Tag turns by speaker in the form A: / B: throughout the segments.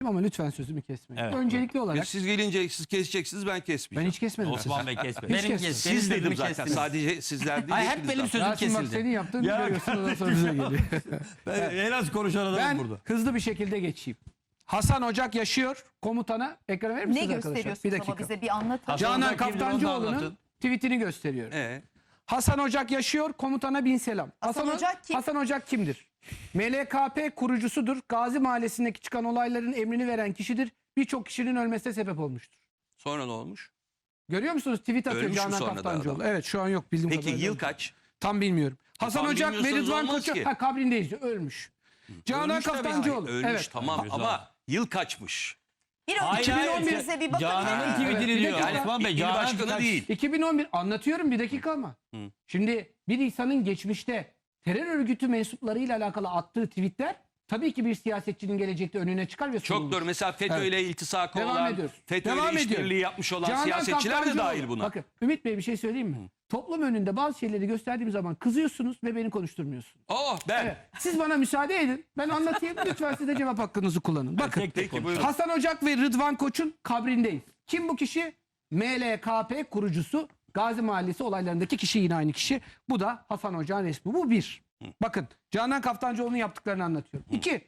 A: Ama lütfen sözümü kesmeyin.
B: Evet.
A: Öncelikli olarak
C: Siz gelince siz keseceksiniz, ben
A: ben
C: kesmeyeceğim.
A: hiç kesmedim.
B: Osman Bey kesme.
A: Hiç
B: Benim
A: kesmedim.
C: Siz dedim
B: sözümü
C: zaten.
B: kestiniz.
C: Sadece sizler değil.
B: Hayır, hep
C: hepiniz
B: benim
C: zaten.
B: sözüm
A: Rasim bak
B: kesildi.
A: senin yaptığın
B: Ya-
A: görüyorsun, ondan sonra bize geliyor.
B: En az konuşan adamım
A: Ben
B: burada.
A: hızlı bir şekilde geçeyim. Hasan Ocak yaşıyor. Komutana ekran verir
D: Ne
A: misiniz arkadaşlar?
D: gösteriyorsunuz
A: Bir
D: ama
A: dakika.
D: bize bir anlatın.
A: Canan
B: Ocak kimdir, onu da
A: Kaftancıoğlu'nun
B: anlatın.
A: tweetini gösteriyorum.
C: Ee,
A: Hasan Ocak yaşıyor, komutana bin selam.
D: Hasan Ocak kim?
A: Hasan Ocak kimdir? MLKP kurucusudur. Gazi Mahallesi'ndeki çıkan olayların emrini veren kişidir. Birçok kişinin ölmesine sebep olmuştur.
C: sonra ne olmuş?
A: Görüyor musunuz? Tweet atıyor
C: Ölmüş mü
A: Canan
C: sonra da
A: Kaftancıoğlu.
C: adam?
A: Evet, şu an yok bildiğim
C: Peki
A: kadarıyla.
C: yıl kaç?
A: Tam bilmiyorum. Hasan
C: tam
A: Ocak ve
C: bilmiyorsanız
A: Rıdvan
C: olmaz
A: Koçu
C: ki.
A: kabrindeyiz diyor. Ölmüş. Canan
C: Ölmüş tabii.
A: Kaftancıoğlu.
C: Hayır, ölmüş
A: Evet.
C: tamam
B: Güzel.
C: ama yıl kaçmış?
D: Bir
B: Hayır,
D: 2011
B: hayır,
D: bize bir bakın.
B: Canan'ın
D: ya.
B: tweetini
A: Evet,
B: diyor.
A: bir dakika.
B: Osman Bey,
C: İl
B: Canan
C: başkanı
B: kaç-
C: değil.
A: 2011 anlatıyorum, bir dakika ama. Şimdi bir insanın geçmişte terör örgütü mensuplarıyla alakalı attığı tweetler tabii ki bir siyasetçinin gelecekte önüne çıkar ve
C: Çok
A: sorulur.
C: doğru. Mesela FETÖ ile iltisakı
A: Devam
C: olan,
A: ediyoruz.
C: FETÖ
A: Devam
C: ile
A: ediyorum.
C: işbirliği yapmış olan
A: Canan
C: siyasetçiler de
A: Kaftancıoğlu.
C: dahil buna.
A: Bakın Ümit Bey, bir şey söyleyeyim mi? Toplum önünde bazı şeyleri gösterdiğim zaman kızıyorsunuz ve beni konuşturmuyorsunuz.
C: Oh ben.
A: Evet. Siz bana müsaade edin. Ben anlatayım. Lütfen siz de cevap hakkınızı kullanın. Bakın.
B: Tek tek
C: Peki,
B: konuş.
C: buyurun.
A: Hasan Ocak ve Rıdvan Koç'un kabrindeyiz. Kim bu kişi? MLKP kurucusu, Gazi Mahallesi olaylarındaki kişi, yine aynı kişi. Bu da Hasan Ocak'ın resmi. Bu bir. Bakın Canan Kaftancıoğlu'nun yaptıklarını anlatıyorum. İki.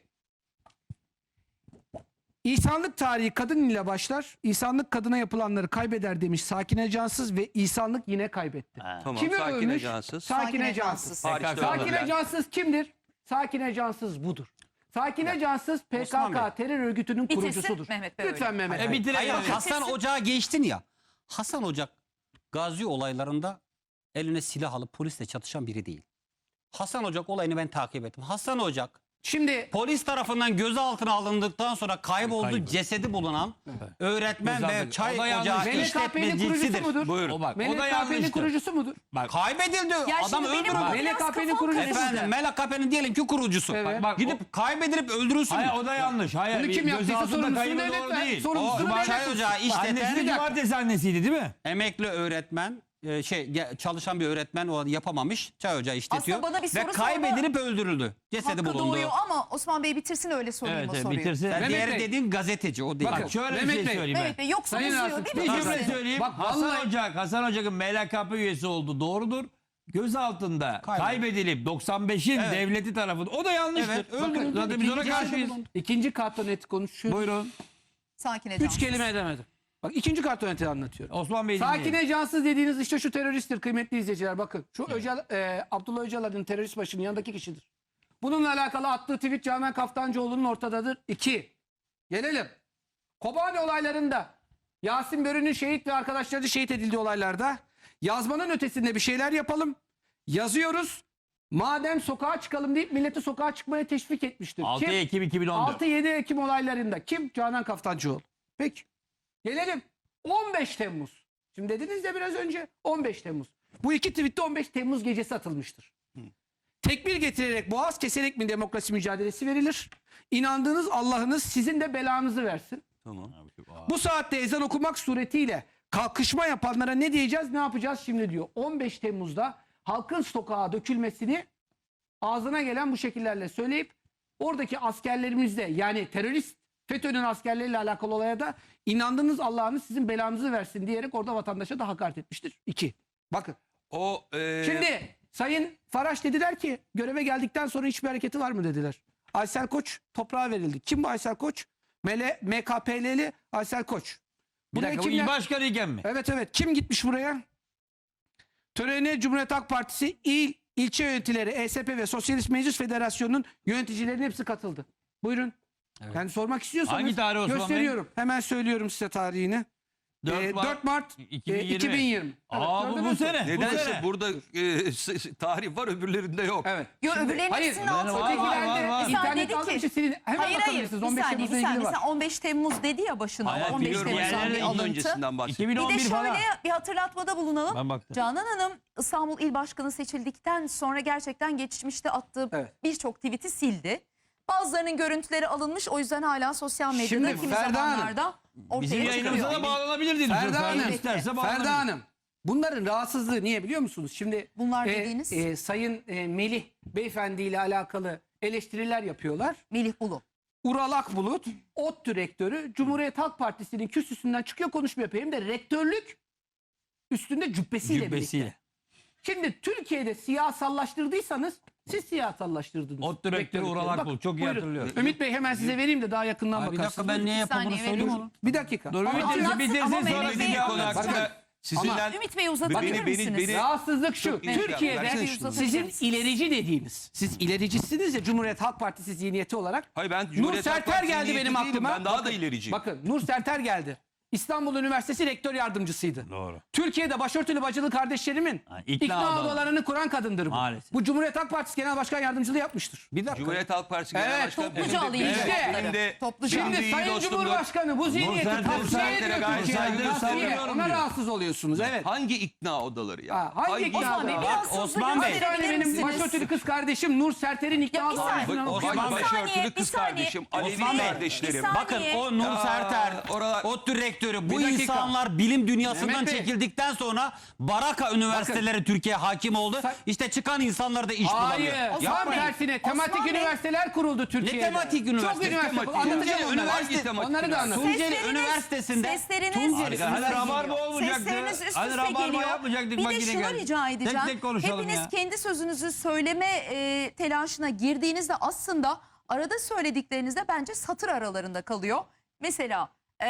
A: İnsanlık tarihi kadın ile başlar. İnsanlık kadına yapılanları kaybeder demiş Sakine Cansız ve insanlık yine kaybetti.
C: Tamam.
A: Kimi
C: Sakine
A: övmüş?
C: Cansız.
A: Sakine Cansız.
D: Cansız.
C: Hariçte
A: Sakine
C: ölenler.
A: Cansız kimdir? Sakine Cansız budur. Sakine Cansız
B: Osman Bey.
A: PKK terör örgütünün
D: Bitirsin
A: kurucusudur.
D: Mehmet Bey
A: Lütfen
D: öyle.
A: Mehmet
B: E
A: Bey.
B: bitirelim.
E: Hayır,
B: yani.
E: Hasan Ocak'a geçtin ya. Hasan Ocak Gazi olaylarında eline silah alıp polisle çatışan biri değil. Hasan Ocak olayını ben takip ettim. Hasan Ocak
A: Şimdi
E: polis tarafından gözaltına alındıktan sonra kayboldu,
B: Kayıp.
E: cesedi bulunan öğretmen ve
B: Gözaltı.
E: çay
B: O da yanlış.
E: ocağı
A: MLKP'nin kurucusu
E: işletmecisidir.
A: mudur?
C: Buyurun.
B: O bak, o da
A: MLKP'nin
B: yanlıştır.
A: kurucusu mudur?
E: Kaybedildi.
D: Ya
E: Adam
D: şimdi benim
E: öldürüldü.
D: bu biraz
A: MLKP'nin
D: kafam
A: kurucusu.
D: karıştı.
E: Efendim MLKP'nin diyelim ki kurucusu.
A: Evet.
B: Bak,
E: Gidip kaybedilip öldürülsün.
B: Hayır, o da yanlış. Hayır,
A: Bunu kim yaptıysa
B: gözaltında
A: sorumlusunu
B: kaybı
A: devlet
B: doğru
A: ver.
B: değil.
A: Sorumlusunu
E: O
A: devlet
E: çay
A: tutsun.
E: ocağı
B: Annesi
E: işleten
B: de cumartesi annesiydi değil mi?
E: emekli öğretmen çalışan bir öğretmen o yapamamış. Çay ocağı işletiyor.
D: Aslında bana bir
E: ve
D: soru
E: kaybedilip öldürüldü. Cesedi
D: Hakkı
E: bulundu.
D: doğuyor ama Osman Bey bitirsin, öyle sorayım
B: Evet,
D: o soruyu.
B: bitirsin.
E: Sen
A: Mehmet
E: diğeri
A: Bey.
E: dediğin gazeteci, o değil.
A: Bakın,
B: Bak şöyle bir
A: Mehmet
B: şey
A: Bey.
B: söyleyeyim
D: Mehmet Bey yoksa
A: Sayın
D: uzuyor
A: Rasim,
D: değil
B: ben.
D: mi?
B: Bir cümle
D: Rasim?
B: söyleyeyim.
A: Bak,
B: Hasan
A: vallahi-
B: Hasan Ocak'ın MLKP üyesi oldu. Doğrudur. Gözaltında kaybedilip 95'in
E: Evet.
B: devleti tarafından. O da yanlıştır.
E: Evet,
B: Bakın,
E: öldürüldü.
B: zaten biz ona
E: İkinci
B: karşıyız.
E: cesedi bulundu.
A: İkinci kartonet konuşuyoruz.
B: Buyurun.
D: Sakine
A: Üç
D: Cansız.
A: kelime edemedim. Bak ikinci kartoneti anlatıyorum.
B: Osman Bey dinleyelim.
A: Sakine Cansız dediğiniz işte şu teröristtir kıymetli izleyiciler, bakın. Şu Abdullah Öcalan'ın terörist başının yanındaki kişidir. Bununla alakalı attığı tweet Canan Kaftancıoğlu'nun ortadadır. 2. Gelelim. Kobani olaylarında Yasin Börü'nün şehit ve arkadaşları şehit edildiği olaylarda yazmanın ötesinde bir şeyler yapalım. Yazıyoruz. Madem sokağa çıkalım deyip milleti sokağa çıkmaya teşvik etmiştir.
B: 6
A: Kim?
B: Ekim 2014.
A: 6-7 Ekim olaylarında kim? Canan Kaftancıoğlu. Peki. Gelelim 15 Temmuz. Şimdi dediniz de biraz önce 15 Temmuz. Bu iki tweette 15 Temmuz gecesi atılmıştır. Tekbir getirerek, boğaz keserek mi demokrasi mücadelesi verilir? İnandığınız Allah'ınız sizin de belanızı versin.
C: Tamam.
A: Bu saatte ezan okumak suretiyle kalkışma yapanlara ne diyeceğiz, ne yapacağız şimdi diyor. 15 Temmuz'da halkın sokağa dökülmesini ağzına gelen bu şekillerle söyleyip oradaki askerlerimizde, yani terörist FETÖ'nün askerleriyle alakalı olaya da inandığınız Allah'ınız sizin belanızı versin diyerek orada vatandaşa da hakaret etmiştir. 2. Bakın.
C: O
A: Şimdi Sayın Faraş dediler ki göreve geldikten sonra hiçbir hareketi var mı dediler. Aysel Koç toprağa verildi. Kim bu Aysel Koç? MKP'li Aysel Koç.
B: Bir
A: Buraya
B: dakika, bu il başkanı iken mi?
A: Evet. Kim gitmiş buraya? Törene Cumhuriyet Halk Partisi ilçe yöneticileri, ESP ve Sosyalist Meclis Federasyonu'nun yöneticilerinin hepsi katıldı. Buyurun.
E: Evet.
A: Yani sormak istiyorsanız
B: Hangi tarih Osman Bey?
A: gösteriyorum. Hemen söylüyorum size tarihini.
B: 4
A: Mart 2020.
B: Aa, bu
A: gördünüz mü?
B: sene. Bu
C: nedense
B: sene.
C: burada tarih var, öbürlerinde yok.
A: Evet.
D: Yo,
A: Şimdi-
D: öbürlerinin
A: hayır,
D: hepsinin altında
B: var,
D: var.
B: var.
D: Bir saniye
A: İnternet
D: dedi
A: aldım
D: ki.
A: silin. Hemen
D: Hayır
A: bakabilirsiniz.
D: bir
A: 15
D: saniye
A: Temmuz'la
D: bir
A: ilgili
D: saniye.
A: var.
D: Sen 15 Temmuz dedi ya başına.
B: Hayır,
D: 15
B: biliyorum,
D: Temmuz'dan
B: diğerleri
D: bir
C: Yıl
D: alıntı.
C: öncesinden bahsediyor.
D: Bir de
B: 2011
D: şöyle
B: falan.
D: bir hatırlatmada bulunalım.
B: Ben baktım.
D: Canan Hanım İstanbul İl Başkanı seçildikten sonra gerçekten geçmişte attığı
A: Evet.
D: birçok tweet'i sildi. Bazılarının görüntüleri alınmış, o yüzden hala sosyal medyada
A: Şimdi
D: kimi
A: Ferda Hanım,
D: zamanlarda ortaya
B: Bizim yayınımıza
D: çıkıyor.
B: da bağlanabilir diye düşünüyorum.
A: Ferda Hanım,
B: Ferda isterse bağlanabilir.
A: Ferda Hanım. Bunların rahatsızlığı niye biliyor musunuz? Şimdi
D: Bunlar dediğiniz?
A: Sayın Melih Beyefendi ile alakalı eleştiriler yapıyorlar.
D: Melih Bulu.
A: Ural Akbulut, ODTÜ rektörü, Cumhuriyet Halk Partisi'nin kürsüsünden çıkıyor, konuşma yapıyor. Hem de rektörlük üstünde cübbesiyle birlikte.
B: Cübbesiyle.
A: Şimdi Türkiye'de siyasallaştırdıysanız siz siyasallaştırdınız.
B: ODTÜ rektörü
A: Rektörlükleri.
B: Ural
A: Bak,
B: Akbulut, çok iyi
A: buyurun.
B: hatırlıyorum.
A: Ümit Bey hemen size vereyim de daha yakından
E: Abi bir
A: bakarsınız.
E: dakika ben niye yaptığımı
D: saniye
E: söyleyeyim
D: veriyorum.
E: onu.
A: Bir dakika.
B: Dur Ümit
D: Ama
B: Bey
D: anlatsın,
B: bitirsin
D: ama
B: sonra
D: Mehmet Bey
B: dediği konu
D: anlatsın.
B: hakkında.
C: Sizinle
D: Ümit Bey uzatabilir misiniz?
A: Rahatsızlık şu.
C: Çok iyi
A: Türkiye'de
C: versene şunu.
A: sizin ilerici dediğiniz, siz ilericisiniz ya Cumhuriyet Halk Partisi zihniyeti olarak.
C: Hayır, ben
A: Nur
C: Cumhuriyet Halk
A: Serter
C: Partisi
A: geldi
C: niyeti
A: benim
C: değilim.
A: aklıma.
C: Ben daha da ilericiyim.
A: Bakın Nur Serter geldi. İstanbul Üniversitesi rektör yardımcısıydı.
B: Doğru.
A: Türkiye'de başörtülü bacılı kardeşlerimin
B: Ha,
A: ikna
B: ikna
A: odalarını kuran kadındır bu.
B: Maalesef.
A: Bu Cumhuriyet Halk Partisi Genel Başkan Yardımcılığı yapmıştır.
E: Bir dakika.
C: Cumhuriyet Halk Partisi Genel
A: Evet,
C: Başkanı.
D: topluca
C: benim de-
D: alayım
C: benim de-
A: işte.
C: benim de-
D: Topluca.
C: benim de
A: Şimdi
C: iyi
A: Sayın
C: dostumdur.
A: Cumhurbaşkanı bu zihniyeti
B: Serter
A: tavsiye
C: Serter'e
A: ediyor
C: gayet
A: Türkiye'ye.
C: saygı
A: Tavsiye.
B: savunuyorum
A: Ona
B: diyor.
A: rahatsız oluyorsunuz. Evet.
C: Hangi ikna odaları ya?
A: Ha, hangi ikna
D: Osman Bey
A: odaları?
D: biraz
E: Bak,
D: hızlı
E: Osman Bey.
A: Bir tane
D: gösterebilir
A: benim
D: misiniz?
A: başörtülü kız kardeşim Nur Serter'in ikna
D: Ya bir saniye.
A: odalarına
C: Bak,
A: bakıyor.
C: bak,
D: Bir
C: başörtülü
D: saniye,
C: kız
D: bir saniye.
C: kardeşim, Alevi
E: Osman Bey,
C: kardeşlerim.
D: bir saniye.
E: Bakın o Nur
C: Ya,
E: Serter,
C: oralar-
E: ODTÜ rektörü bu
A: Bir dakika.
E: insanlar bilim dünyasından
A: Mehmet Bey.
E: çekildikten sonra Baraka üniversiteleri Türkiye hakim oldu. İşte çıkan insanlar da iş
A: Hayır.
E: bulamıyor.
A: Tam
E: Yapmayın.
A: tersine tematik
D: Osman Bey.
A: üniversiteler kuruldu Türkiye'de.
E: tematik üniversite?
A: Çok üniversite.
C: Tematik
A: Anlatacağım
E: üniversite.
A: onları.
E: Üniversite
C: tematik
A: Onları da
C: üniversite.
A: anlatacağım.
E: Tunceli Üniversitesi'nde
D: Sesleriniz
E: Tunceli
D: üst
B: Hani
D: üste
B: rabarba
D: geliyor.
B: olmayacaktı.
D: Sesleriniz üst
B: Hani
D: üste
B: rabarba
D: geliyor.
B: yapmayacaktık,
D: Bir
B: bak
D: de
B: yine
D: şunu
B: geldi.
D: rica edeceğim.
B: Tek tek konuşalım
D: Hepiniz
B: ya.
D: kendi sözünüzü söyleme telaşına girdiğinizde aslında arada söylediklerinizde bence satır aralarında kalıyor. Mesela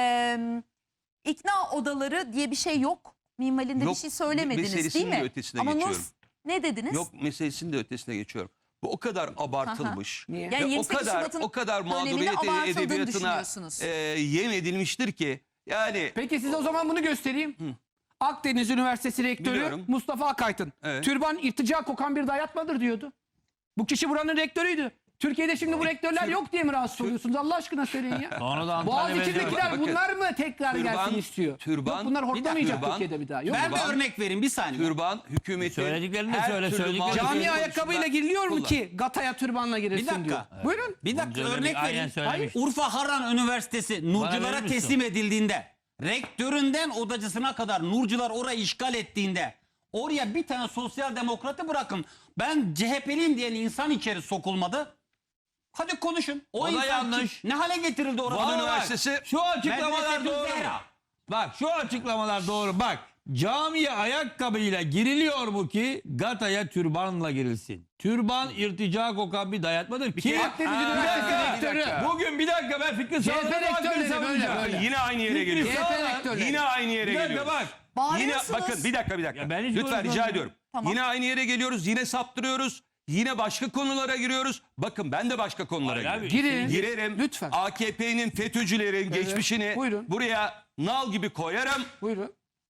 D: ikna odaları diye bir şey yok. Minvalinde bir
C: Yok,
D: şey söylemediniz değil
C: meselesinin
D: mi?
C: de ötesine
D: Ama
C: geçiyorum.
D: ne dediniz?
C: Yok, meselesinin de ötesine geçiyorum. Bu o kadar abartılmış.
A: Niye?
D: Yani
C: Ve o
D: 28
C: kadar
D: Şubat'ın
C: o kadar
D: döneminde
C: mağduriyet
D: abartıldığını
C: edebiyatına
D: düşünüyorsunuz.
C: yem edilmiştir ki yani
A: Peki size o zaman bunu göstereyim. Akdeniz Üniversitesi Rektörü
C: Biliyorum.
A: Mustafa Akaydın.
C: Evet.
A: Türban irtica kokan bir dayatmadır diyordu. Bu kişi buranın rektörüydü. Türkiye'de şimdi bu rektörler yok diye mi rahatsız oluyorsunuz? Allah aşkına söyleyin ya.
B: Sonra da Antalya
A: Boğaziçi'ndekiler
C: Bakın,
A: bunlar mı tekrar
C: türban-
A: gelsin istiyor?
C: türban-
A: Yok bunlar
C: bir dakika,
A: hortlamayacak
C: türban-
A: Türkiye'de bir daha. Yok.
E: Ben bir
C: Türban-
E: örnek vereyim bir saniye.
C: türban hükümetin
B: Söylediklerini de
C: her
B: söyle,
C: türlü
B: söylediklerini de
C: mağduriyet
A: Cami
B: söyle.
A: ayakkabıyla
C: konusunda
A: giriliyor mu
C: kullan.
A: ki Gata'ya türbanla girilsin
E: Bir dakika.
A: diyor. Buyurun.
E: Bir dakika
B: Bunu
E: örnek
B: aynen
E: vereyim.
B: söylemiş.
E: Urfa Harran Üniversitesi
B: verir
E: Nurculara
B: misin?
E: teslim edildiğinde, rektöründen odacısına kadar Nurcular orayı işgal ettiğinde, oraya bir tane sosyal demokratı bırakın. Ben CHP'liyim diyen insan içeri sokulmadı. Hadi konuşun.
B: O da
E: insan
B: yanlış.
E: kim? Ne hale getirildi orası?
C: Van
B: Vallahi
C: Üniversitesi
B: şu açıklamalar
E: Medrese
B: doğru.
E: Zehra.
B: Bak şu açıklamalar doğru. Bak camiye ayakkabıyla giriliyor mu ki Gata'ya türbanla girilsin. Türban irtica kokan bir dayatmadır ki.
C: kere-
A: Akdeniz
B: Bir
A: Üniversitesi
B: dakika.
A: rektörü.
B: Bugün bir dakika ben Fikri
A: CHP
B: Sağlar'ın hakkını
A: rektörleri
B: savunacağım.
A: böyle, böyle.
C: yine aynı yere
B: Fikri
C: geliyoruz.
A: CHP
B: Sağlar-
A: rektörleri.
C: Yine aynı yere
B: Bir dakika
C: geliyoruz.
B: bak.
C: Yine
D: Bağırıyorsunuz.
C: bakın bir dakika.
B: Ya ben hiç
C: Lütfen
B: konuşmadım.
C: rica ediyorum.
D: Tamam.
C: Yine aynı yere geliyoruz. Yine saptırıyoruz. Yine başka konulara giriyoruz. Bakın ben de başka konulara
B: Hayır abi,
C: giriyorum.
A: Girin.
C: Girerim.
A: Lütfen.
C: AKP'nin FETÖ'cülerin geçmişini
A: Buyurun.
C: buraya nal gibi koyarım.
A: Buyurun.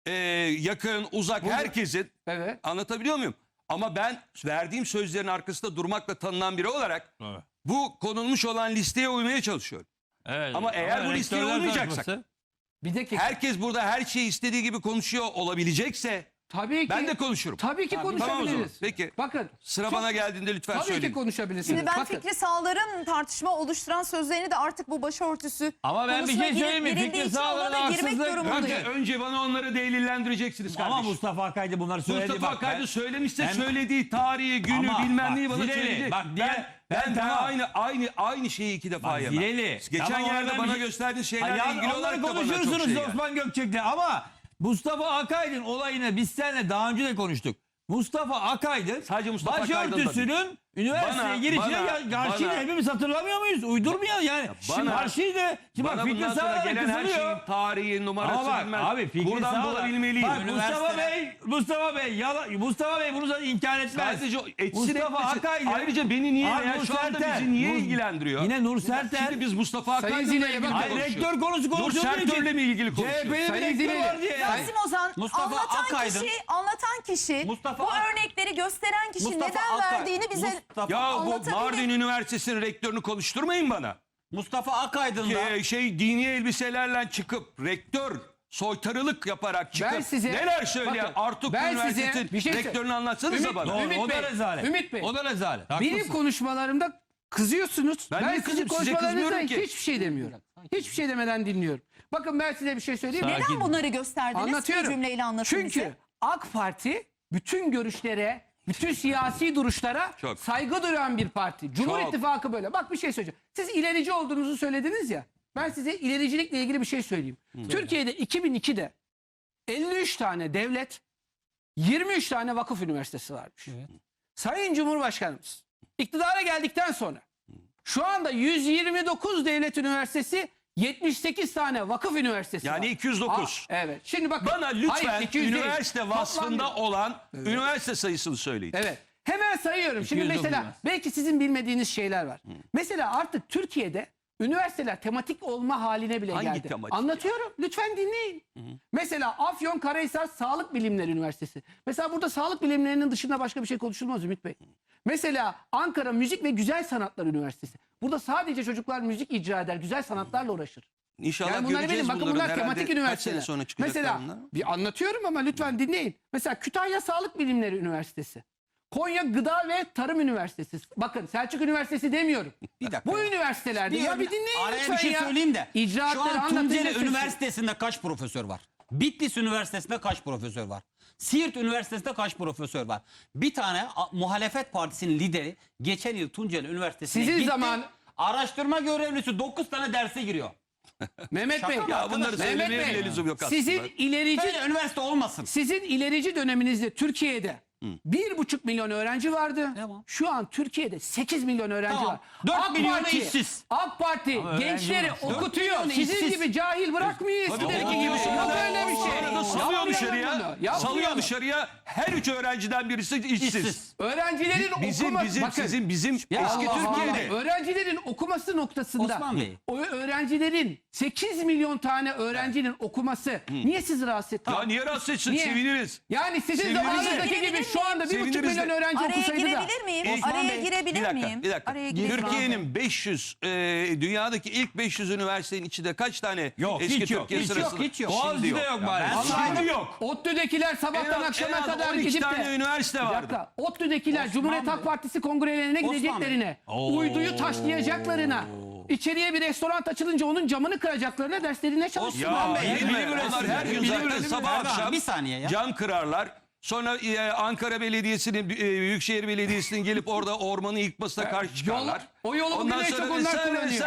C: Yakın, uzak
A: Buyurun.
C: herkesin.
A: Evet.
C: Anlatabiliyor muyum? Ama ben verdiğim sözlerin arkasında durmakla tanınan biri olarak
B: Evet.
C: bu konulmuş olan listeye uymaya çalışıyorum.
B: Evet.
C: Ama eğer bu listeye
B: rektörler
C: uymayacaksak-
B: tartışması-
A: Bir dakika.
C: Herkes burada her şeyi istediği gibi konuşuyor olabilecekse
A: Tabii ki.
C: ben de konuşurum.
A: Tabii ki
C: Tamam o zaman.
A: konuşabiliriz.
C: Peki.
A: Bakın.
C: Sıra
A: çok-
C: bana geldiğinde lütfen
A: Tabii
C: söyleyin.
A: ki konuşabilirsiniz.
D: Şimdi ben
A: Bakın.
D: Fikri Sağlar'ın tartışma oluşturan sözlerini de artık bu başörtüsü
B: Ama ben bir
D: konusuna
B: şey söyleyeyim mi?
D: girildiği
B: Fikri
D: için
B: Sağlar'ın
D: ona da girmek
B: haksızlık-
D: durumundayım.
C: Önce bana onları delillendireceksiniz kardeşim.
B: Ama Mustafa Akay'dı bunları söyledi.
C: Mustafa
B: bak,
C: Akay
B: ben-
C: da söylemişse
B: Hem-
C: söylediği tarihi, günü,
B: Ama
C: bilmem
B: bak,
C: neyi bana
B: Zileli,
C: söyleyecek.
B: bak ben
C: daha
B: tamam.
C: aynı şeyi iki defa
B: Bak,
C: yemem.
B: Zileli.
C: Geçen
B: Tamam,
C: yerde
B: ben
C: bana
B: bir-
C: gösterdiğin
B: Ha,
C: şeylerle
B: ya
C: ilgili
B: onları
C: olarak da bana çok
B: konuşursunuz
C: şey geldi.
B: Osman Gökçek'le ama Mustafa Akaydın olayını biz seninle daha önce de konuştuk. Mustafa Akaydın
C: Sadece Mustafa Akaydın da
B: başörtüsünün üniversiteye
C: Bana-
B: girişine
C: bana-
B: karşıydı.
C: bana-
B: Hepimiz hatırlamıyor muyuz? Uydurmayalım yani. Şimdi
C: bana-
B: karşıydı. Şimdi bak
C: Bana
B: Fikri
C: bundan sonra
B: Sağlar
C: gelen her
B: kızılıyor.
C: şeyin tarihi, numarası
B: Ama bak
C: bilmem.
B: abi Fikri
C: Buradan
B: Sağlar.
C: bulabilmeliyim.
B: Bak Mustafa Bey bunu zaten inkar etmez.
C: Sadece etsin
B: Mustafa
C: etmesin.
B: Akaydın.
C: Ayrıca beni niye
B: Abi
C: veya
B: Nur
C: şu anda
B: Serter,
C: bizi niye
B: Nur-
C: ilgilendiriyor?
B: Yine Nur Serter.
C: Şimdi biz Mustafa
A: Sayın
C: Akaydın'la
A: Zileli,
C: ilgili
A: bakın.
B: Hayır,
C: konuşuyoruz.
B: rektör konusu
C: Nur
B: konuşulduğu için.
C: Sertör'le mi ilgili
B: CHP'nin
C: konuşuyoruz?
B: bir
A: Sayın
B: rektörü
A: Zileli.
B: var diye.
A: Sayın-
D: Rasim Ozan
E: Mustafa Akaydın.
D: anlatan kişi
E: Mustafa
D: bu
E: Ak-
D: örnekleri gösteren kişi
E: Mustafa
D: neden
E: Akay-
D: verdiğini bize
E: Mustafa-
C: Ya bu
D: anlatabilir.
C: Mardin Üniversitesi'nin rektörünü konuşturmayın bana.
E: Mustafa Akaydın da
C: Dini elbiselerle çıkıp rektör soytarılık yaparak çıkıp
A: Ben size-
C: neler söyleyen
A: bakın,
C: Artuk
A: ben size
C: Üniversitesi'nin
A: bir şey
C: rektörünü anlatsanıza
A: Ümit-
C: bana.
B: Doğru,
A: Ümit
B: o da
A: Bey,
B: rezalet.
A: Ümit Bey.
B: O da rezalet.
A: Benim
B: Haklısın.
A: konuşmalarımda kızıyorsunuz.
C: Ben
A: Ben
C: niye
A: sizin
C: kızıyorum? Size
A: konuşmalarınızda
C: kızmıyorum ki.
A: hiçbir şey demiyorum. Hiçbir şey demeden dinliyorum. Bakın ben size bir şey söyleyeyim mi?
D: Neden bunları gösterdiniz?
A: Anlatıyorum.
D: Bir cümleyle anlatın
A: Çünkü
D: bize.
A: AK Parti bütün görüşlere bütün siyasi duruşlara
C: Çok.
A: saygı duyan bir parti. Cumhur
C: Çok.
A: İttifakı böyle. Bak bir şey söyleyeceğim. Siz ilerici olduğunuzu söylediniz ya. Ben size ilericilikle ilgili bir şey söyleyeyim. Türkiye'de 2002'de 53 tane devlet, 23 tane vakıf üniversitesi varmış. Sayın Cumhurbaşkanımız iktidara geldikten sonra şu anda 129 devlet üniversitesi, 78 tane vakıf üniversitesi
C: Yani
A: var.
C: 209.
A: Evet. Şimdi bakın.
C: Bana lütfen
A: Hayır, 200 değil.
C: üniversite
A: Toplam
C: vasfında
A: bir-
C: olan üniversite sayısını söyleyin.
A: Evet. Hemen sayıyorum. Şimdi
B: 209
A: mesela
B: üniversite.
A: belki sizin bilmediğiniz şeyler var. Mesela artık Türkiye'de üniversiteler tematik olma haline bile
C: Hangi
A: geldi.
C: tematik
A: Anlatıyorum. Lütfen dinleyin. Mesela Afyonkarahisar Sağlık Bilimleri Üniversitesi. Mesela burada sağlık bilimlerinin dışında başka bir şey konuşulmaz Ümit Bey. Mesela Ankara Müzik ve Güzel Sanatlar Üniversitesi. Burada sadece çocuklar müzik icra eder, güzel sanatlarla uğraşır.
C: İnşallah
A: Yani bunları
C: göreceğiz
A: bilin. Bakın
C: bunları.
A: bunlar
C: Herhalde
A: tematik
C: kaç
A: üniversiteler.
C: sene sonra çıkacaklar
A: Mesela
C: bunlar?
A: bir anlatıyorum ama lütfen dinleyin. Mesela Kütahya Sağlık Bilimleri Üniversitesi. Konya Gıda ve Tarım Üniversitesi. Bakın Selçuk Üniversitesi demiyorum.
E: Bir dakika
A: Bu
E: ya.
A: üniversitelerde ya bir dinleyin
E: Araya
A: lütfen
E: bir şey
A: ya.
E: söyleyeyim de. Şu
A: İcraatları
E: an
A: anlatınca
E: Tunceli
A: sesi-
E: Üniversitesi'nde kaç profesör var? Bitlis Üniversitesi'nde kaç profesör var? Siirt Üniversitesi'nde kaç profesör var? Bir tane muhalefet partisinin lideri geçen yıl Tunceli Üniversitesi'ne
A: Sizin
E: gitti.
A: zaman-
E: Araştırma görevlisi 9 tane derse giriyor.
A: Mehmet Bey.
E: Şaka
C: Ya bunları
A: Mehmet
C: söylemeye
A: Bey,
C: bile lüzum yok aslında.
A: Sizin ilerici
E: Böyle üniversite olmasın.
A: Sizin ilerici döneminizde Türkiye'de 1,5 milyon öğrenci vardı.
E: Tamam.
A: Şu an Türkiye'de 8 milyon öğrenci
E: Tamam.
A: var.
E: 4 milyonu işsiz.
A: AK Parti
B: öğrenci
A: gençleri
B: var.
E: 4
A: okutuyor.
E: milyonu
A: Sizin
E: işsiz.
A: gibi cahil bırakmıyor eskideki gibi. Yok öyle bir şey.
C: Sonra da salıyor
A: Yapmayalım
C: dışarıya.
A: bunu. Yapmayalım.
C: Salıyor dışarıya. Her 3 öğrenciden birisi işsiz.
E: İşsiz.
A: Öğrencilerin
C: Bizim
A: bakın,
C: eski
A: Allah
C: Türkiye'de.
A: Allah. Öğrencilerin okuması noktasında
E: Osman Bey.
A: o öğrencilerin 8 milyon tane öğrencinin okuması niye sizi rahatsız etti?
C: Ya niye rahatsız etsin?
A: Niye?
C: Seviniriz.
A: Yani sizin
C: Seviniriz de.
A: zamanınızdaki gibi şu anda 1,5
C: Seviniriz
A: milyon
C: de.
A: öğrenci
D: Araya
A: okusaydı da.
D: girebilir miyim?
A: Osman
D: Araya
A: Bey,
D: girebilir miyim?
C: Bir dakika.
D: Araya girebilir miyim?
C: Türkiye'nin 500 dünyadaki ilk 500 üniversitenin içinde kaç tane
B: Yok,
C: eski
B: hiç yok,
C: Türkiye
B: hiç
C: sırasında?
E: yok, hiç yok.
B: Boğaziçi'de yok bari.
C: Şimdi yok.
A: ODTÜ'dekiler sabahtan akşama
C: en az
A: kadar
C: 12
A: gidip
C: tane
A: de
C: üniversite
A: bir
C: vardı.
A: dakika, ODTÜ'dekiler Cumhuriyet Halk Partisi kongrelerine
E: Osman
A: gideceklerine, uyduyu taşlayacaklarına, içeriye bir restoran açılınca onun camını kıracaklarına derslerine çalışsınlar.
C: Ya
E: Bey,
C: değil mi?
B: bilim
C: Onlar her gün
B: bilim
C: zaten
B: üretimi.
C: sabah
E: Erdoğan,
C: akşam
E: bir saniye ya.
C: cam kırarlar. Sonra Ankara Belediyesi'nin, Büyükşehir Belediyesi'nin gelip orada ormanı yıkmasına karşı çıkarlar.
A: O yolu bugün en çok onlar kullanıyor.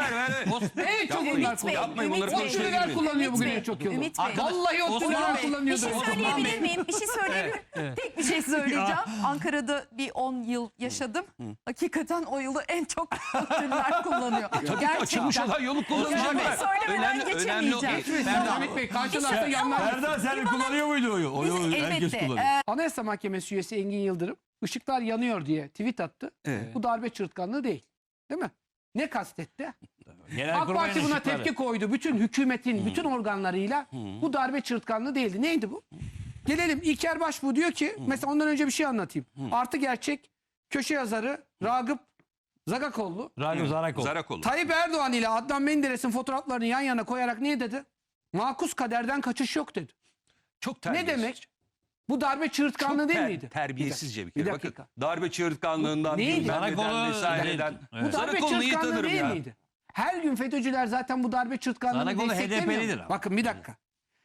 A: En çok
C: Yapmayın,
A: onlar kullanıyor.
C: yapmayın bunları
D: Ümit Bey,
C: konuşmaya
A: ODTÜ'ler
C: girmeyin.
A: kullanıyor bugün
D: Ümit
A: en çok
D: Bey,
A: yolu.
D: Ümit Bey.
A: Vallahi
E: Osman
A: ODTÜ'ler
E: Bey,
D: Bir
A: kullanıyordur.
D: şey söyleyebilir miyim? Bir şey söyleyebilir miyim? Tek bir şey söyleyeceğim. Ankara'da bir 10 yıl yaşadım. Hakikaten o yılı en çok ODTÜ'lüler kullanıyor.
C: Açılmış olan yolu kullanacaklar.
D: Yani söylemeden geçemeyeceğim.
A: Geçmesin Ümit Bey. Karşılarsa yanlar.
B: Erdoğan sen kullanıyor muydu oyu?
D: Biz
B: Oyu herkes
D: elbette
B: kullanıyor.
A: Anayasa Mahkemesi üyesi Engin Yıldırım ışıklar yanıyor diye tweet attı.
C: Evet.
A: Bu darbe çırtkanlığı değil. Değil mi? Ne kastetti?
B: Genel
A: AK Parti buna
B: ışıkları.
A: tepki koydu. Bütün hükümetin bütün organlarıyla bu darbe çırtkanlığı değildi. Neydi bu? Gelelim İlker Başbuğ diyor ki mesela ondan önce bir şey anlatayım. Artı gerçek köşe yazarı Ragıp Zagakoğlu
B: Ragıp Zarakol.
C: Zarakolu.
A: Tayyip Erdoğan ile Adnan Menderes'in fotoğraflarını yan yana koyarak ne dedi? Makus kaderden kaçış yok dedi.
C: Çok
A: Ne
C: terbiyesiz.
A: demek? Bu darbe çığırtkanlığı
C: Çok
A: değil miydi?
C: terbiyesizce bir
A: Bir
C: kere.
A: dakika.
C: Bakın darbe çığırtkanlığından,
A: Neydi?
C: bilmem neden
B: Zarakolu-
C: vesaireden.
B: Evet.
A: Bu darbe
C: Zarakolu'nu iyi
A: çığırtkanlığı
C: tanırım
A: değil
C: ya.
A: miydi? Her gün FETÖ'cüler zaten bu darbe çığırtkanlığını
B: Zarakolu
A: desteklemiyor.
B: HDP'lidir ama.
A: Bakın bir dakika.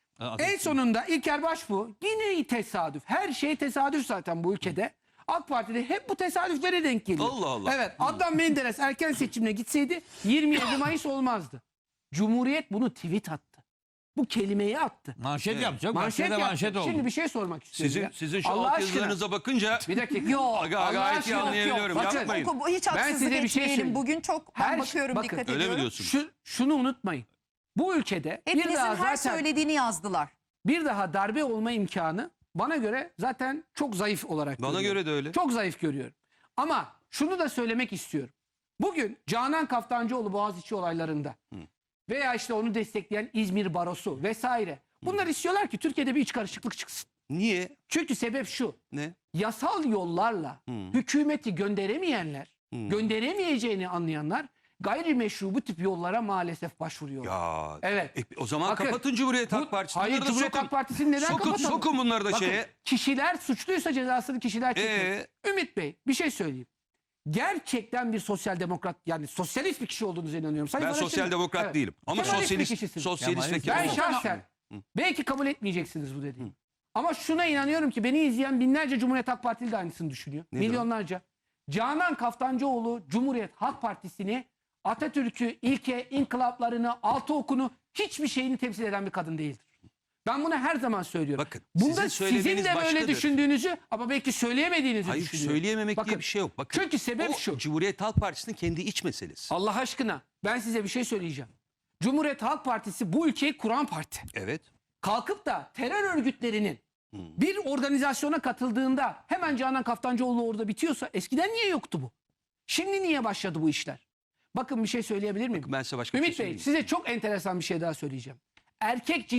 A: En sonunda İlker Başbuğ yine tesadüf. Her şey tesadüf zaten bu ülkede. AK Parti'de hep bu tesadüflere denk geliyor.
C: Allah Allah.
A: Evet, Adnan Menderes erken seçimle gitseydi 27 Mayıs olmazdı. Cumhuriyet bunu tweet attı. Bu kelimeyi attı.
B: Manşet yapacak.
A: Manşet
B: Manşet
A: yaptı.
B: oldu.
A: Şimdi bir şey sormak istiyorum.
C: Sizin,
A: ya.
C: sizin şu
A: Allah
C: alt
A: aşkına.
C: yazılarınıza bakınca
A: Bir dakika.
D: Yok.
A: Allah
C: gayet iyi
A: aşkına.
C: anlayabiliyorum.
A: Bakın,
C: Yapmayın.
D: Hiç
A: Ben
D: haksızlık
A: size bir şey
D: etmeyelim.
A: söyleyeyim.
D: Bugün çok ben
A: Her-
D: bakıyorum,
A: bakın,
D: dikkat
C: öyle mi
D: ediyorum.
C: diyorsun?
A: şunu unutmayın. Bu ülkede
D: Hepinizin
A: bir daha
D: her
A: zaten
D: söylediğini yazdılar.
A: bir daha darbe olma imkanı bana göre zaten çok zayıf olarak
C: Bana
A: görüyorum.
C: göre de öyle.
A: Çok zayıf görüyorum. Ama şunu da söylemek istiyorum. Bugün Canan Kaftancıoğlu Boğaziçi olaylarında veya işte onu destekleyen İzmir Barosu vesaire. Bunlar istiyorlar ki Türkiye'de bir iç karışıklık çıksın.
C: Niye?
A: Çünkü sebep şu.
C: Ne?
A: Yasal yollarla hükümeti gönderemeyenler, gönderemeyeceğini anlayanlar gayrimeşru bu tip yollara maalesef başvuruyorlar.
C: Ya.
A: Evet.
C: O zaman
A: Bakın,
C: kapatın Cumhuriyet
A: bu-
C: Halk Partisi'ni.
A: Hayır,
C: Bunları da
A: Cumhuriyet
C: sokun.
A: Halk Partisi'ni neden
C: Sokun,
A: kapatalım?
C: sokun bunları da
A: Bakın,
C: şeye.
A: kişiler suçluysa cezasını kişiler çekiyor. Ümit Bey bir şey söyleyeyim. Gerçekten bir sosyal demokrat yani sosyalist bir kişi olduğunuza inanıyorum. Sayın
C: Ben
A: Faraş'ın-
C: sosyal demokrat
A: Evet.
C: değilim. Ama
A: Kemalist bir
C: sosyalist,
A: kişisiniz.
C: sosyalist ve
B: Kemalist.
A: Ben
C: Kemalist.
A: şahsen belki kabul etmeyeceksiniz bu dediğimi. Ama şuna inanıyorum ki beni izleyen binlerce Cumhuriyet Halk Partili de aynısını düşünüyor.
C: Nedir o?
A: Milyonlarca. Canan Kaftancıoğlu Cumhuriyet Halk Partisi'ni, Atatürk'ü, ilke, inkılaplarını, altı okunu, hiçbir şeyini temsil eden bir kadın değildir. Ben bunu her zaman söylüyorum.
C: Bakın,
A: Bunda
C: sizin
A: sizin
C: söylemeniz
A: de böyle
C: başkadır.
A: düşündüğünüzü ama belki söyleyemediğinizi
C: Hayır,
A: düşünüyorum.
C: söyleyememek
A: Bakın,
C: diye bir şey yok. Bakın,
A: çünkü sebep
C: o
A: şu.
C: Cumhuriyet Halk Partisi'nin kendi iç meselesi.
A: Allah aşkına ben size bir şey söyleyeceğim. Cumhuriyet Halk Partisi bu ülkeyi kuran parti.
C: Evet.
A: Kalkıp da terör örgütlerinin bir organizasyona katıldığında hemen Canan Kaftancıoğlu orada bitiyorsa eskiden niye yoktu bu? Şimdi niye başladı bu işler? Bakın bir şey söyleyebilir miyim?
C: Ben size başka bir
A: Ümit
C: şey
A: Bey
C: söyleyeyim.
A: size çok enteresan bir şey daha söyleyeceğim. Erkek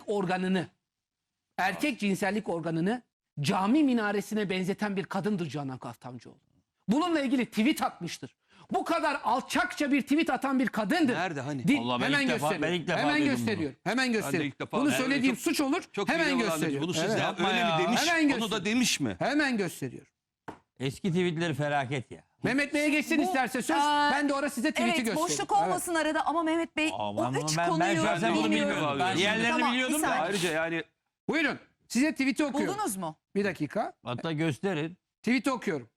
A: cinsellik organını cami minaresine benzeten bir kadındır Canan Kaftancıoğlu. Bununla ilgili tweet atmıştır. Bu kadar alçakça bir tweet atan bir kadındır.
C: Nerede hani?
B: Vallahi ben
A: hemen
B: ilk defa-
A: gösteriyorum.
B: ben ilk defa
A: Hemen
B: duydum
A: gösteriyorum. Hemen gösteriyorum.
C: ilk defa-
A: Bunu
C: Evet,
A: söylediğim
C: çok-
A: suç olur.
C: Çok
A: Hemen
C: iyi
A: gösteriyorum.
C: Bunu siz
A: Evet.
B: Yapma
C: öyle
B: ya.
C: mi demiş?
A: Hemen
C: Onu
A: göster.
C: da demiş mi?
A: Hemen gösteriyorum.
B: Eski tweetleri felaket ya.
A: Mehmet Bey'e geçsin
D: Bu,
A: isterse söz.
D: aa,
A: Ben de orada size tweet'i
D: Evet
A: göstereyim.
D: boşluk olmasın arada ama Mehmet Bey
B: Aman,
D: o üç
B: ben
D: konuyu
B: şahsen bunu
D: bilmiyorum.
B: bilmiyorum.
C: Ben
B: Diğerlerini
D: Tamam,
B: biliyordum
D: bir
B: da.
D: saniye.
C: Ayrıca yani
A: Buyurun. Size tweet'i okuyorum.
D: Buldunuz mu?
A: Bir dakika.
B: Hatta gösterin.
A: Tweet'i okuyorum.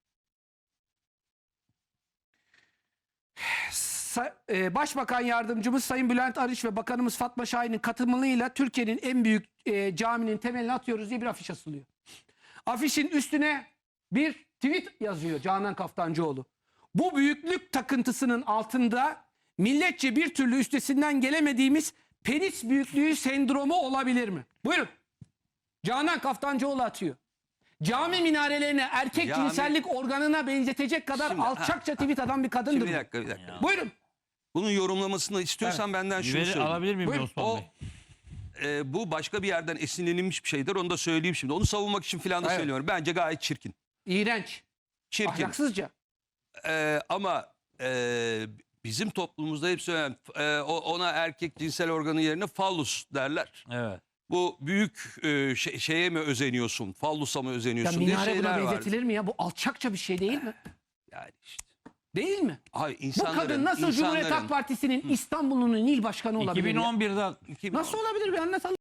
A: Başbakan Yardımcımız Sayın Bülent Arınç ve Bakanımız Fatma Şahin'in katılımıyla Türkiye'nin en büyük caminin temelini atıyoruz diye bir afiş asılıyor. Afişin üstüne bir tweet yazıyor Canan Kaftancıoğlu. Bu büyüklük takıntısının altında milletçe bir türlü üstesinden gelemediğimiz penis büyüklüğü sendromu olabilir mi? Buyurun. Canan Kaftancıoğlu atıyor. Cami minarelerine erkek
C: Cami-
A: cinsellik organına benzetecek kadar
C: Şimdi,
A: alçakça tweet atan bir kadındır.
C: şimdi bir
A: bu.
C: dakika bir dakika.
A: Buyurun.
C: Bunun yorumlamasını istiyorsan benden şunu söyleyeyim.
B: Alabilir miyim
A: Buyurun.
B: Osman
C: O
B: Bey?
C: bu başka bir yerden esinlenilmiş bir şeydir. Onu da söyleyeyim şimdi. Onu savunmak için falan da
A: Evet.
C: söylüyorum. Bence gayet çirkin.
A: İğrenç.
C: Çirkin.
A: Ahlaksızca.
C: Ama bizim toplumumuzda hep söylenen ona erkek cinsel organı yerine fallus derler.
B: Evet.
C: Bu büyük şeye mi özeniyorsun? Fallusa mı
A: Ya
C: özeniyorsun diye
A: minare buna
C: şeyler var.
A: benzetilir mi ya? Bu alçakça bir şey değil mi?
C: Yani işte.
A: Değil mi?
C: Hayır,
A: Bu
C: insanların,
A: kadın nasıl Cumhuriyet Halk Partisi'nin İstanbul'un il başkanı olabilir? ya?
B: 2011'de
A: Nasıl olabilir bir anlatalım.